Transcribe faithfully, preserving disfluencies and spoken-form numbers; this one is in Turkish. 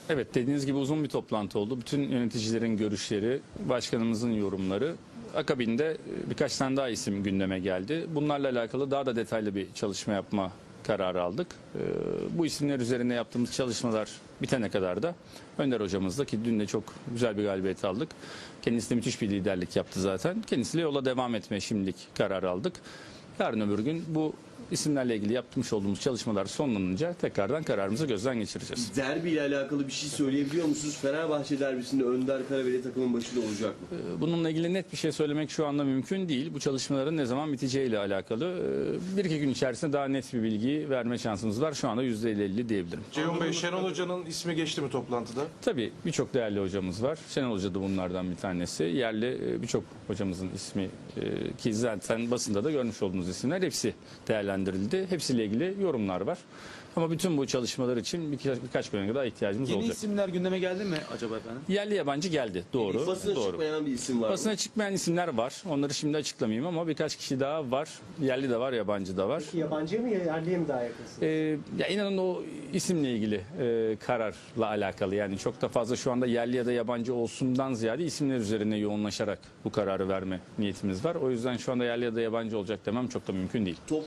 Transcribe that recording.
Evet, dediğiniz gibi uzun bir toplantı oldu. Bütün yöneticilerin görüşleri, başkanımızın yorumları. Akabinde birkaç tane daha isim gündeme geldi. Bunlarla alakalı daha da detaylı bir çalışma yapma kararı aldık. Ee, Bu isimler üzerine yaptığımız çalışmalar bitene kadar da Önder hocamızla, ki dün de çok güzel bir galibiyet aldık. Kendisi de müthiş bir liderlik yaptı zaten. Kendisiyle yola devam etmeye şimdilik karar aldık. Yarın öbür gün bu isimlerle ilgili yapmış olduğumuz çalışmalar sonlanınca tekrardan kararımızı gözden geçireceğiz. Derbi ile alakalı bir şey söyleyebiliyor musunuz? Fenerbahçe derbisinde Önder Karaveli takımın başında olacak mı? Bununla ilgili net bir şey söylemek şu anda mümkün değil. Bu çalışmaların ne zaman biteceğiyle alakalı. Bir iki gün içerisinde daha net bir bilgi verme şansımız var. Şu anda yüzde elli elli diyebilirim. Ceyhun Bey, Şenol Hoca'nın ismi geçti mi toplantıda? Tabii birçok değerli hocamız var. Şenol Hoca da bunlardan bir tanesi. Yerli birçok hocamızın ismi, ki zaten basında da görmüş olduğunuz isimler, hepsi değerlendirildi. Hepsiyle ilgili yorumlar var. Ama bütün bu çalışmalar için birkaç, birkaç güne daha ihtiyacımız Yeni olacak. isimler gündeme geldi mi acaba efendim? Yerli yabancı geldi. Doğru. Basına doğru. çıkmayan bir isim var mı? Basına çıkmayan isimler var. Onları şimdi açıklamayayım ama birkaç kişi daha var. Yerli de var, yabancı da var. Peki yabancıya mı yerliye mi daha yakınsınız? Ee, ya inanın o isimle ilgili e, kararla alakalı. Yani çok da fazla şu anda yerli ya da yabancı olsundan ziyade isimler üzerine yoğunlaşarak bu kararı verme niyetimiz var. O yüzden şu anda yerli ya da yabancı olacak demem çok da mümkün değil.